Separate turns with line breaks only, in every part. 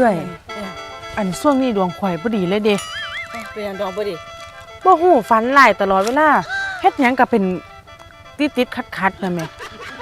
อื้อยอันช่วงนี้ดวงข่อยบ่ดีเลยเด้
เป็นหยังดองบ่ดี
บ่ฮู้ฝันหลายตลอดเวลาเฮ็ดหยังก็เป็นติดๆขัดๆนั่นแหม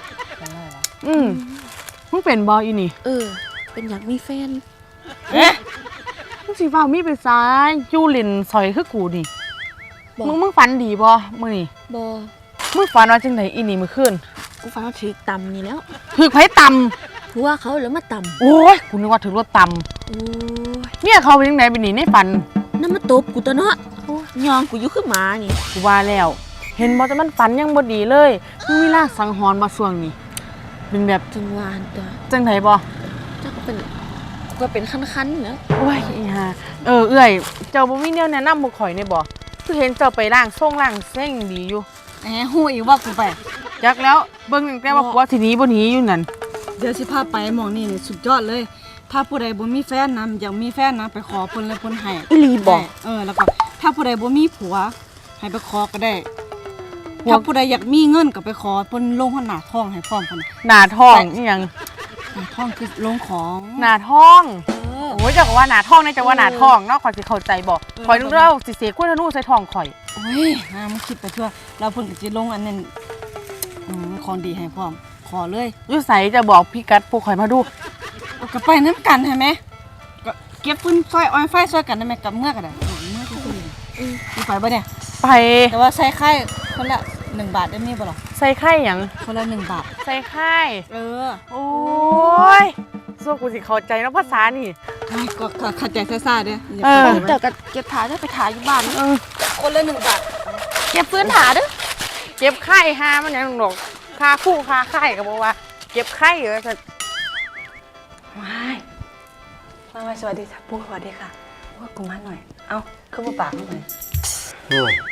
มึงเป็นบ่อีนี่
เป็นอยากมีแฟน
มึงสิเว้ามีไปซ้ายอยู่เล่นซอยคือกูนี่มึงฝันดีบ่มื้อนี้
บ่
มึงฝันว่าจังไดอีนี่มื้อคืน
กูฝันว่าถือตำนี่แล้ว
ถือไผตำ
ผัวเขาแล้วมาตำ
โอ้ยกูนึกว่าถือรถตำ
โอ้ย
เมียเขาเป็นจังไดเป็นนี่ในฝัน
นั่นมาตบกูตัวเนาะยองกูอยู่คือหมานี่
กูว่าแล้วเห็นบ่แต่มันฝันยังบ่ดีเลยมึงมีลางสังหรณ์บ่ช่วงนี้เป็นแบบ
จังหวานตัว
จังไดบ่
เจ้าก็เป็นคันๆเนาะ
โอ้ยอีห่าเอื้อยเจ้าบ่มีแนวแนะนำบ่ข่อยได้บ่คือเห็นเจ้าไปล้างส่งล้างเส้งดีอยู่
ฮู้อีกว่ากูไป
จักแล้วเบิ่งตั้งแต่ว่าผัวสิหนีบ่หนีอยู่นั่น
เดี๋ยวสิพาไปหม่องนี่สุดยอดเลยถ้าผู้ใดบ่มีแฟนนะอยากมีแฟนนะไปขอเพิ่นเลยเพิ่นให้
อีหลีบ่
แล้วก็ถ้าผู้ใดบ่มีผัวให้ไปขอก็ได้ถ้าผู้ใดอยากมีเงินก็ไปขอเพิ่นลงหน้าท้องให้พร้อมเพิ่น
หน้าท้องอีหยัง
หน้าท้องคือลงของ
หน้าท้องโอ้ยจักว่าหน้าท้องนี่จักว่าหน้าท้องเนาะข่อยสิเข้าใจบ่ข่อยนึกว่าสิเสกคุณธนูใส่ท้องข่อย
โอ้ยมึงคิดไปทั่วแล้วเพิ่นก็สิลงอันนั้นของดีให้พร้อมขอเลย
อยู่ไสจะบอกพี่กัดพวกข่อยมาดู
ก็ไปนำกันใช่มั้ยก็เก็บฟืนซอยอ้อยไฟซอยกันได้มั้ยกับเมื่อก็ได้เมื่อคือไปบ่เนี่ย
ไป
แต่ว่าใส่ไข่คนละ1 บาทได้มีบ่ล่ะ
ใส่ไข่หยัง
คนละ1 บาท
ใส่ไข่โอ้ยสู้กูสิเข้าใจเนาะภาษานี่
ก็เข้าใจซ่าๆเด้
เจ้าก็เก็บถาเด้อไปถาอยู่บ้าน
คนละ1 บาท
เก็บฟืนถาเด้อ
เก็บไข่หามันหยังดอกค่าคู่ค่าไข่ก็บ่ว่าเก็บไข่ซะ
มาสวัสดีค่ะปู่สวัสดีค่ะว่ากูมาหน่อยเอ้าคือบ่ปากหน่อย
โอ้ย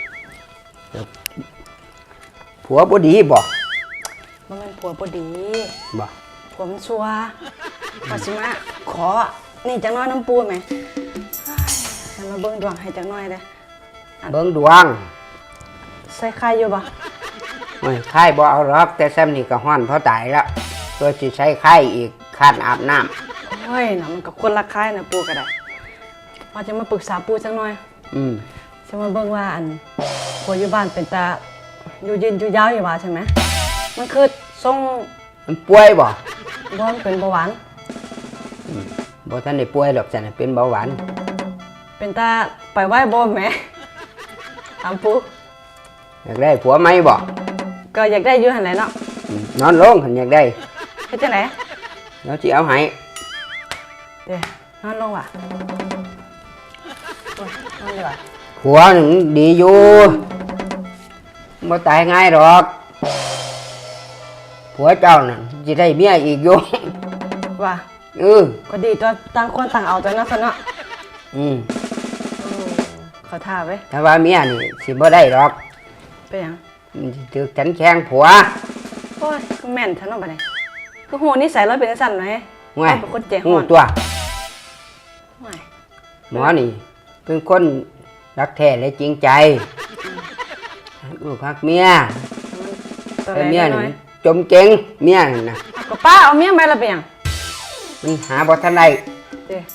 ผัวบ่ดีบ่
มันเป็นผัวบ่ดี
บ่
ผัวมันชั่วว่าสิมาขอนี่จังน้อยน้ำปูไหมให้มาเบิ่งดวงให้จังน้อยเด้
เบิ่งดวง
ใส่ไข่อยู่บ่
โอ้ยไข่บ่เอาหรอกแต่แซมนี่ก็ฮ้อนเพราะตายแล้วตัวสิใช้ไข่อีกคาดอาบน้ำ
โอ้ยน่ะมันก็คนละไข่นะปูก็ได้ว่าจะมาปรึกษาปูจังน้อยจะมาเบิ่งว่าอันผัวอยู่บ้านเป็นตาอยู่ยืนอยู่ยาวอยู่ว่าใช่ไหมมันคือทรง
มันป่วยบ่
มันเป็นเบาหวาน
บ่ทันได้ป่วยหรอกจ้ะเป็นเบาหวาน
เป็นตาไปไหว้บ่แม่ถามปู
อยากได้ผัวไหมบ่
ก็อยากได้อยู่หั่นแหละเนาะ
นอนลงหันอยากได้
เฮ็ดจังได๋
แล้วสิเอาให้
เด้นอนลงว่ะนอนดีกว่า
ผัวนึงดีอยู่บ่ตายง่ายหรอกผัวเจ้านั่นสิได้เมียอีกอยู่
ว่าก็ดีตัวต่างคนต่างเอาตัวเนาะซะเนาะขอท่าไว้
ถ้าว่าเมียนี่สิบ่ได้หรอก
เป็นหยัง
ถึกฉันแข้งผัว
โอ้ยก็แม่นท่านเนาะบัดนี้คือโหนิสัยเราเป็นจังซั่นไหมเป็นคนใจฮ้อน
ตัวหมอนี่เป็นคนรักแท้และจริงใจลูกรักเมียแต่เมียนี่จมเก่งเมียน่ะ
ก็ป้าเอาเมียมาละเป็นหยัง
มันหาบ่ทันได้
เด้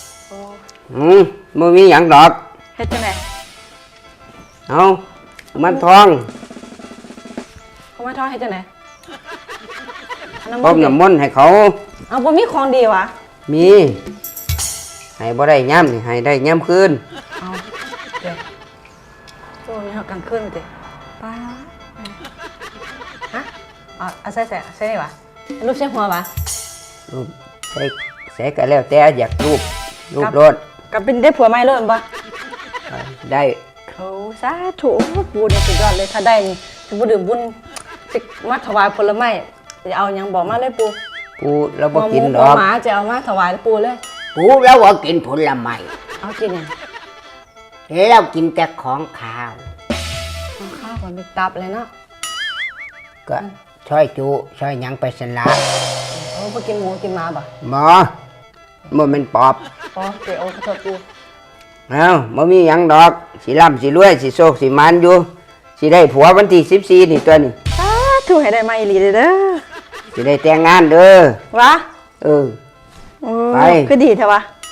บ่มีหยังดอก
เฮ็ดจังได๋
เอามันทอง
มันทองเฮ็ดจังได๋
ต้มน้ำมนต์ให้เขา
เอาบ่มีของดีวะ
มีให้บ่ได้ย่ำนี่ให้ได้ย่ำคืน
เอาเด้โอ้ยเฮากลางคืนติป้าฮะเอาใส่นี่วะรูปใส่หัววะ
รูปใส่ก็แล้วแต่อยากรูปรถ
ก็เป็นได้ผัวใหม่เลยบ่
ได้
โอ้สาธุปูเนี่ยสุดยอดเลยถ้าได้นี่สิบ่ดื่มบุญสิมาถวายผลไม้จะเอาหยังบอกมาเลยปู
แล้วบ่กินดอก
หมาจะเอามาถวายปูเลย
ปูแล้วบ่กินผลไม้
เอากินหยัง
แล้วกินแต่ของข้าว
ก่อนไปตับเลยเนาะ
ก็ช่อยจุช่อยหยังไปสละ
บ่กินหมูกินหมาบ่
บ่แม่นปอบ
เดี๋ยวขอโทษปู
บ่มีหยังดอกสิร่ำสิรวยสิโชคสิมานอยู่สิได้ผัววันที่14นี่ตัวนี้
สาธุให้ได้มาอีหลีเด้อ
สิได้แต่งงานเด้อ
วะ
ไป
คือดีแท้วะ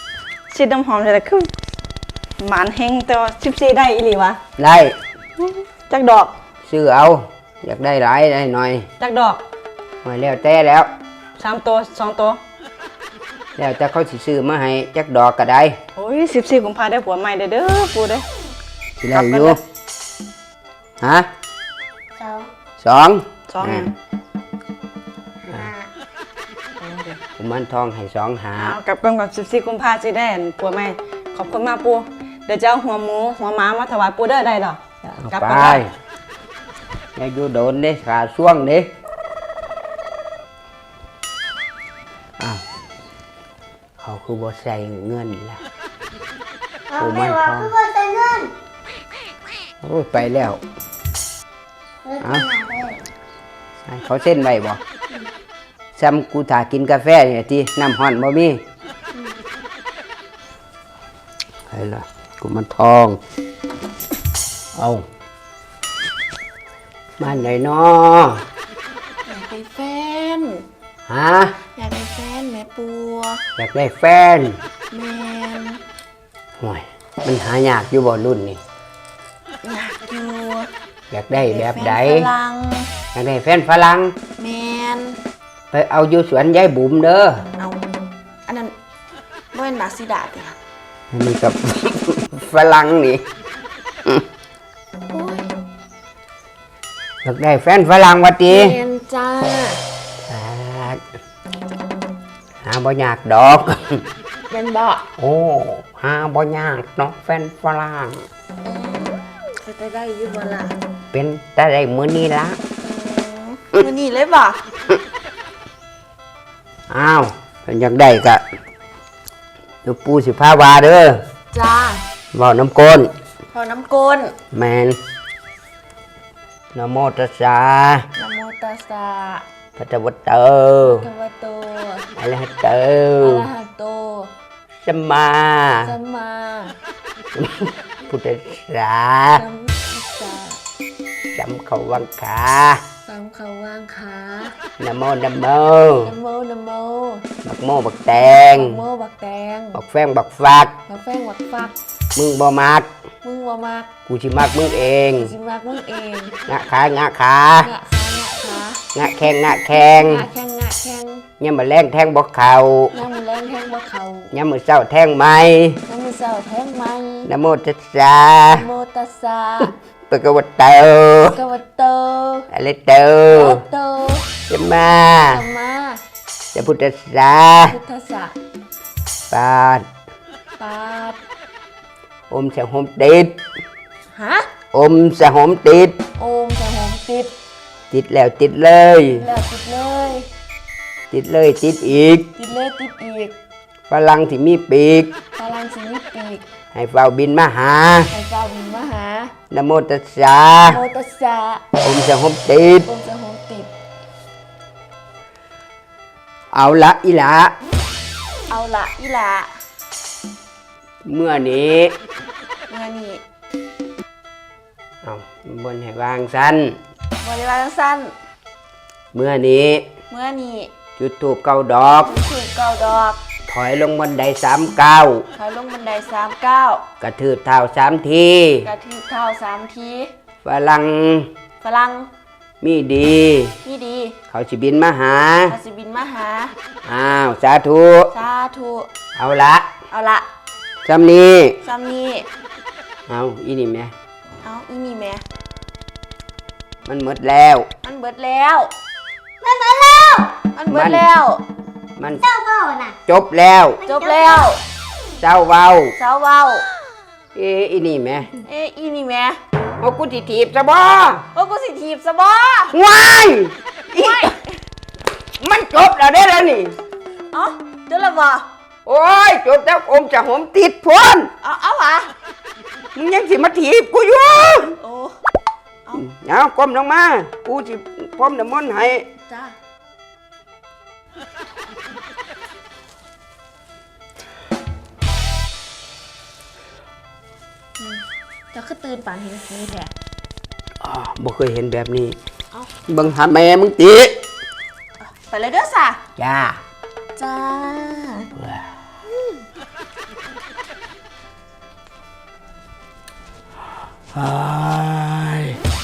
ฉีดน้ำหอมแต่คือหมานเฮงแต่ว่า14ได้อีหลีวะ
ได้
จักดอก
ซื้อเอา อยากได้หลายได้หน่อย
จักดอก
หน่อยแล้วแต่แล้ว
3ตัว2ตัว
แล้วแต่เขาสิซื้อมาให้จักดอกก็ได้
โอ้ย14กุมภาได้ผัวใหม่เด้อปูเด้อ
สิได้อยู่ ฮะ
สอง
สอง
สองหยัง
ห้า
กุมารทองให้สองหา
เอากลับกันก่อน14กุมภาสิได้อันผัวใหม่ขอบคุณมากปูเดี๋ยวจะเอาหัวหมูหัวหมามาถวายปูเด้อได้ดอก
เอา
กลับ
ไป
กันได้
อย่าอยู่โดนเด้ขาช่วงเด้อ้าวเขาคือบ่ใส่เงินล่ะ
เอาไม่ว่าคือว่าใช้เงิน
โอ้ยไปแล้ว
เงินที่ไหนได้
ให้เขาเส้นไว้บ่ซ้ำกูถ่ากินกาแฟเนี่ยที่น้ำห่อนบ่มีใครล่ะกูมันทอง เอาบ้านไหนน้อ
อยากได้แฟน
ฮะ
อยากได้แฟนแม่ปัว
อยากได้แฟน
แม่น
ห่วยมันหายากอยู่บ่รุ่นนี่
อยากอยู่
อยากได้แบบใด
ฟนฝรั่ง
อยากได้แฟนฝรั่ง
แม่น
ไปเอาอยู่สวนยายบุ๋มเด้อ
เอาอันนั้นบ่เป็นบักซิดาติค่ะ
อันนี้กับ ฝรั่งนี่
โอ้ย
อยากได้แฟนฝรั่งวะติ
แม่นจ้า
หาบ่ยากดอก
แม่นบ่
โอ้หาบ่ยากเนาะแฟนฝรั่ง
จะได้อยู่บ่ล่ะ
เป็นแต่ได้มื้อนี้ละ
มื้อนี้เลยบ่
อ้าวเพิ่นอยากได้ก็เดี๋ยวปู่สิพาวาเด้อ
จ้า
เว้าน้ำก้น
พอน้ำก้น
แม่นนะโมตัสสะ
นะโมตัสสะ
พระเจ้าวัตเตอ
ภะคะวะโต
อะระหะเตอ
อะระหะโต
สัมมา
สัมมา
พุทธัสสะ
สัมพุทธัสสะ
สัมเขาวังขา
สัมเขาวางขา
นะโมนะโม
นะโมนะโม
บักโมบักแตง
บักโมบักแตง
บักแฟงบักฟัก
บักแฟงบักฟัก
มึงบ่มัก
มึงบ่มัก
กูสิมักมึงเอง
สิมักมึงเอง
งะขางะขา
งะขางะขาง
ะแข้งงะแข้ง
งะแข้งงะแข้ง
ยามมื้อแรงแทงบ่เข้า
น้ำมือแรงแทงบ่เข่าย
ามมื้อเช้าแทงไหม
น้ำมือเศร้าแทงไหม
นะโมตัสสะ
นะโมตัสสะ
ปะกะวะเตอ
ภะคะวะโต
อะระเตอ
โอโต
สัมมา
สัมมา
สัมพุทธัสสะ
พุทธัสสะ
ปาด
ปาด
อมสะหมติด
ฮะ
อมสะหมติด
โอมสะหมติด
ติดแล้วติดเลย
แล้วติดเลย
ติดเลยติดอีก
ติดเลยติดอีก
ฝรั่งที่มีปีก
พลังสินิปีก
ให้เฝ้าบินมาหา
ให้เจ้าบินมาหา
นะโมตัสสะ
โมตัสสะ
อมสะหมติด
โอมสะหมติด
เอาละอีหละ
เอาละอีหละ
เมื่อนี้
เมื่อนี้
เอาบนให้วางสั้น
บริวารสั้น
เมื่อนี้
เมื่อนี้
จุดถูกเก้าดอก
ถูกเก้าดอก
ถอยลงบันได3 ก้าว
ถอยลงบันได39
กระทืบเท้า3 ที
กระทืบเท้า3 ที
ฝรั่ง
ฝรั่ง
มีดี
นี่ดี
เขาสิบินมาหา
อาสิบินมาหา
อ้าวสาธุ
สาธุ
เอาละ
เอาละ
จำนี้
ซ้ำนี้
เอาอีนี่แม่
เอาอีนี่แม่
มันหมดแล้ว
มันเบิดแล้ว
มันมาแล้ว
มันเบิดแล้ว
มัน
เจ้าเบ้าน่ะ
จบแล้ว
จบแล้ว
เจ้าเว้า
เจ้าเว้า
อีนี่แม่
เอ้ยอีนี่แม่
โอ้กูสิถีบซะบ่
ว่ากูสิถีบซะบ่
ว้ายอีมันจบแล้วได้แล้วนี่
เอ้าเดี๋ยวละบ่
โอ้ยจบแล้วอมจะหอมติดพ้น
เอาวะ
มึงยังสิมาถีบกูอยู่
โอ้
เอาก้มลงมา กูสิพร้อมน้ำมนต์ให้
จ้าจะขึ้นตื่นป่านเห็นสีแท้
อ๋อบ่เคยเห็นแบบนี้
เอ้า
เบิ่งหาแม่มึงติ
ไปเลยเด้อสะ
จ้า
จ้า
อ้าย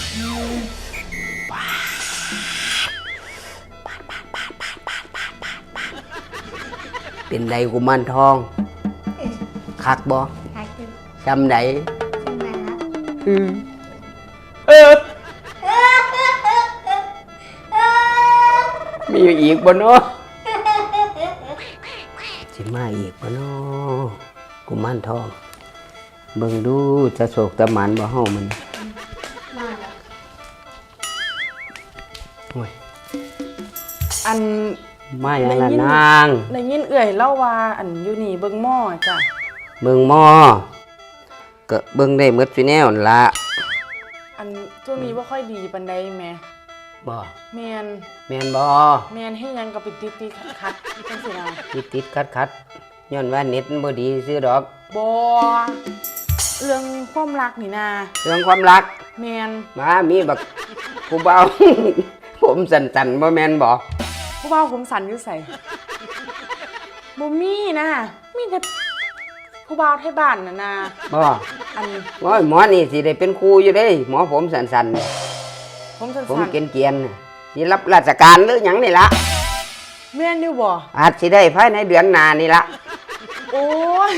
เป็นไดกุมารทองคักบ่
หากิน
จำได
ทำไมครับ
มีอีกบ่เนาะสิมาอีกบ่เนาะกุมารทองเบิ่งดูจะโศกตะหมันบ่เฮามัน
มาแล้ว
โอ้ย
อัน
มาอย่างละนาง
ได้ยินเอื่อยเล่าว่าอันอยู่นี่เบิ่งหม้อจ้ะ
เบิ่งหม้อก็เบิ่งได้หมดซุแนวนั่นล่ะ
อันช่วงนี้บ่ค่อยดีปานใดแหม่
บ่
แม่น
แม่นบ่
แม่นเฮ็ดหยังก็ไปติดๆขัดๆจังซี่นะ
ติดคัดย้อนว่าเน็ตมันบ่ดีซื้อดอก
บ่เรื่องความรักนี่นะ
เรื่องความรัก
แม่น
มามีบักผู้เบา ผมสั่นๆบ่แม่นบ่
ผู้บ่าวผมสันอยู่ไสบ่มีนะมีแต่ผู้บ่าวไทยบ้านน่ะนะ
บ่
อัน
โอ้ยหมอนี่สิได้เป็นครูอยู่เด้หมอผมสั่นๆนี่
ผมสัน
ผม
สัน
เกรียนๆน่ะสิรับราชการหรือหยังนี่ล่ะ
แม่นอยู่บ่
อาจสิได้ภายในเดือนหน้านี่ล่ะ
โอ้ย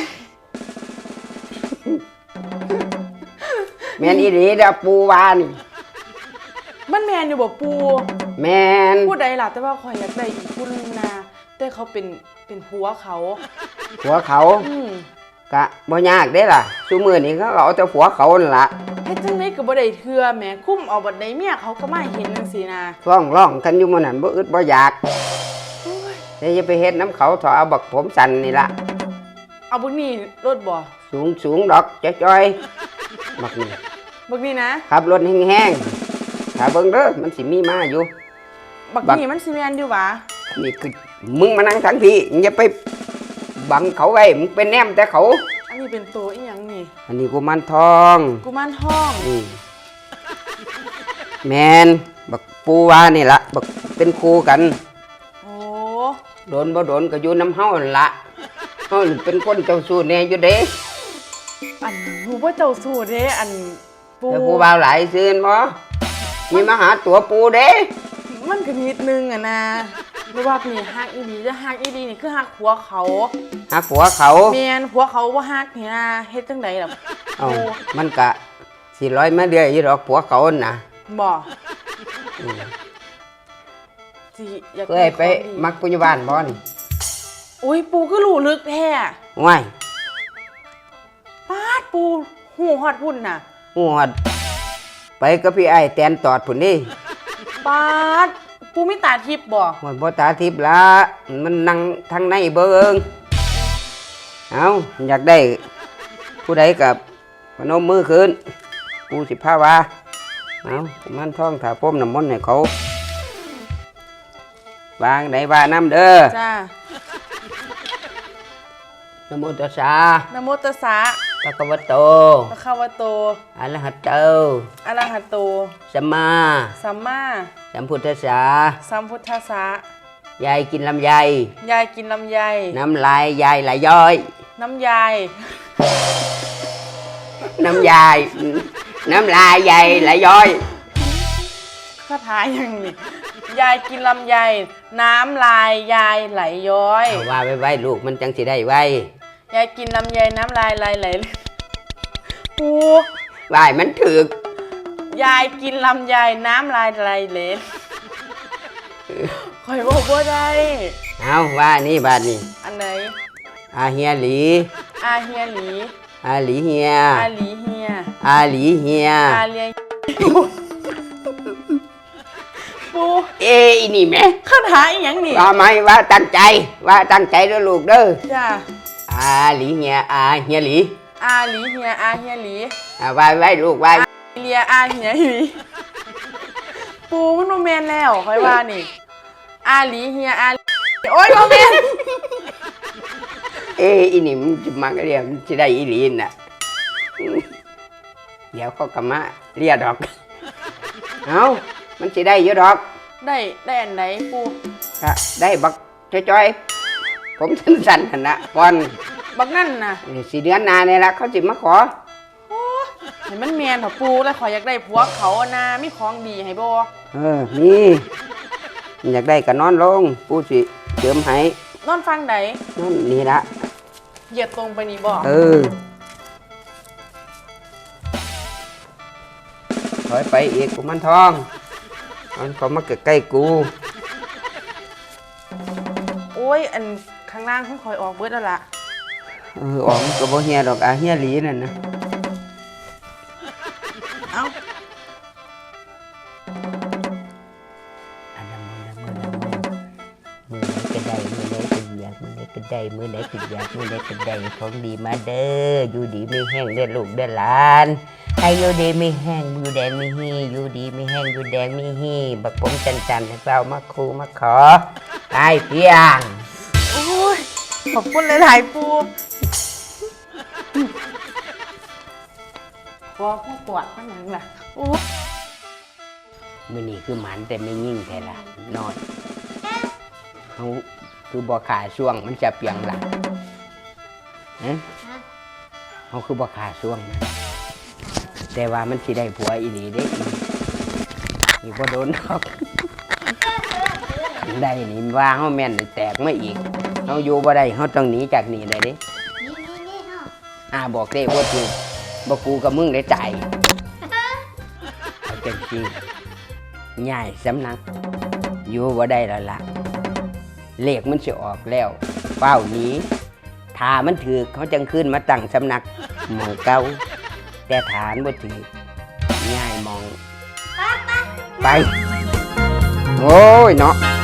แม่นอีหลีเด้อปู่ว่านี่
มันแม่นอยู่บ่ปู
แม่น
ผู้ใดล่ะแต่ว่าข่อยอยากได้อีกผู้หนึงนะแต่เขาเป็นผัวเขา
ผัวเขา
อืม
ก็บ่ยากเด้ล่ะซุมื้อนี้เขาก็เอาแต่ผัวเขานั่นล่ะ
เฮ็ดจังได๋ก็บ่ได้เทื่อแหมคุ้มเอาบัดใดเมียเขาก็มาเห็นจังซี่นะ
ร้องกันอยู่มื้อนั้นบ่อึดบ่อยากแต่อย่าไปเฮ็ดน้ำเขาเถอะเอาบักผมสั่นนี่ล่ะ
เอาบักนี่รถบ่
สูงดอกจ้อยๆบักนี่
บักนี่นะ
ขับรถแห้งๆถ้าเบิ่งเด้อมันสิมีมาอยู่
บัก
บัก
นี่มันสิแม่นอยู่หวะ
นี่คือมึงมานั่งทั้งพี่อย่าไปบังเขาไว้มึงเป็นแนมแต่เขา
อันนี้เป็นตัวอีหยังนี่
อันนี้กุมารทอง
กุมารทอง
แมนบักปูว่านี่ละบักเป็นครูกัน
โอ้
โดนบ่โดนก็อยู่น้ำเฮานั่นละเฮานี่เป็นคนเจ้าสู้แน่อยู่เด้
อันหนูบ่เจ้าสู้เด้อันปู
แต่ปูบ่าวหลายซื่นบ่มีมาหาตัวปูเด้
มันก็นิดนึงอะนะหรือว่านี่ฮักอีดีจะฮักอีดีนี่คือฮักผัวเขา
หาผัวเขา
แม่นผัวเขาบ่ฮักนี่นะเฮ็ดจังไดล่ะ
เอ้ามันก็สิร้อยมาเรื่อยอยู่ดอกผัวเขาน่ะ
บ่สิอยาก
เคยไปมักปุญญาบาลบ่นี่
อุ้ยปูก็รู้ลึกแท้
ว้าย
ปาดปูหูฮอดพุ่นน่ะ
ฮอดไปกับพี่ไอ้แตนตอดพุ่นนี่
ปาดปูมีตาทิพย์บ่
หมดบ่ตาทิพย์ละมันนั่งทางในเบิ่งเอาอยากได้ผู้ใดกับพนมมือขึ้นกูสิพาว่าเอามันท่องถาพรมน้ำมนต์ให้เขาวางได้ว่าน้ำเด้อ
จ้า
นะโมตัสสะ
นะโมตัสสะ
ภะคะวะโต
ภะคะวะโต
อะระหะโต
อะระหะโต
สัมมา
สัมมา
สัมพุทธัสสะ
สัมพุทธัสสะ
ยายกินลำไย
ยายกินลำไย
น้ำลายยายไหลย้อย
น้ำยาย
น้ำยายน้ำลายยายไหลย้อย
คาถาอย่างนี้ยายกินลำไย น้ำลายยายไหลย้อย
เอาว่าไว้ลูกมันจังสิได้ไว้
ยายกินลำไยน้ำลายไหลปู
ว่ายมันถึก
ยายกินลำไยน้ำลายไหลเหลนข่อยบอกว่าได้
เอาว่านี่บาดนี่
อันไหน
อาเฮียหลี
อาเฮียหลี
อาหลีเฮีย
อาหลีเฮีย
อาหลีเฮีย
อาเลียปู
เอ้ยนี่แม่
คาถาอีหยังนี่
ว่าไหมว่าตั้งใจว่าตั้งใจเด้อลูกเด้อ
จ้า
อาหลีเฮียอาเฮียหลี
อาหลีเฮียอาเฮียหลี
ว่าไว้ลูกไว้
เลียอาเฮียหลีปูมันโมเมนแล้วค่อยว่านี่อาหลีเฮียอาโอ๊ยโมเมน
เอ้ยอีนี่มันจะมาเรียมันจะได้อีหลีน่ะเดี๋ยวเขากำมาเรียดอกเอามันจะได้เยอะดอก
ได้อันไหนปู
ก็ได้บักจ้อยๆผมสั้นๆหั่นนะก่อน
บักนั่นน่ะ
4 เดือนหน้านี่ละเขาสิมาขอ
โอ้ให้มันแม่นเถอะปูแล้วขอยอยากได้ผัวเขาอะนะมีของดีให้บ่
นี่อยากได้ก็นอนลงปูสิเจิมให้
นอนฟังใด
นั่นนี่ละ
เหยียดตรงไปนี่บ่
ถอยไปอีกกุมันทองมันเขามาใกล้ๆกู
โอ้ยอันข้างล่างของข่อยออกเบิดแล้วล่ะ
ออกมันก็บ่เฮียดอกเฮียหลีนั่นนะ
เอ้า
อันนั้นมือไหนก็ได้มือไหนก็อยากมือไหนก็ได้มือไหนก็อยากมือไหนก็ได้ของดีมาเด้ออยู่ดีไม่แห้งเด้อลูกเด้อหลานให้อยู่ดีไม่แห้งอยู่แดงไม่ฮีอยู่ดีไม่แห้งอยู่แดงไม่ฮีบักผมจันให้เรามาคูมาขอไอ้เพียง
โอ้ยขอบคุณหลายๆปูขอผู้กวาดมันหยังล่ะโอ้ย
มื้อนี้คือหมันแต่ไม่ยิ่งแท้ละนอนเขาคือบ่ขาช่วงมันจะเปียงหลังเขาคือบ่ขาช่วงนะแต่ว่ามันสิได้ผัวอีหลีเด้อีบ่โดนดอกคันได้นี่ว่าเฮาแม่นแตกมาอีกเฮาอยู่บ่ได้เฮาต้องหนีจากนี่ได้เด้
นี่เฮา
บอกเด้ว่าถูกบ่กูกับมึงได้จ่ายเอาจังซี่ง่ายสำนักอยู่บ่ได้แล้วล่ะเลขมันสิออกแล้วเฝ้าหนีถ้ามันถือเขาจังขึ้นมาตั้งสำนักหมองเก่าแต่ฐานบ่ถือง่ายมองไปโอ้ยเนาะ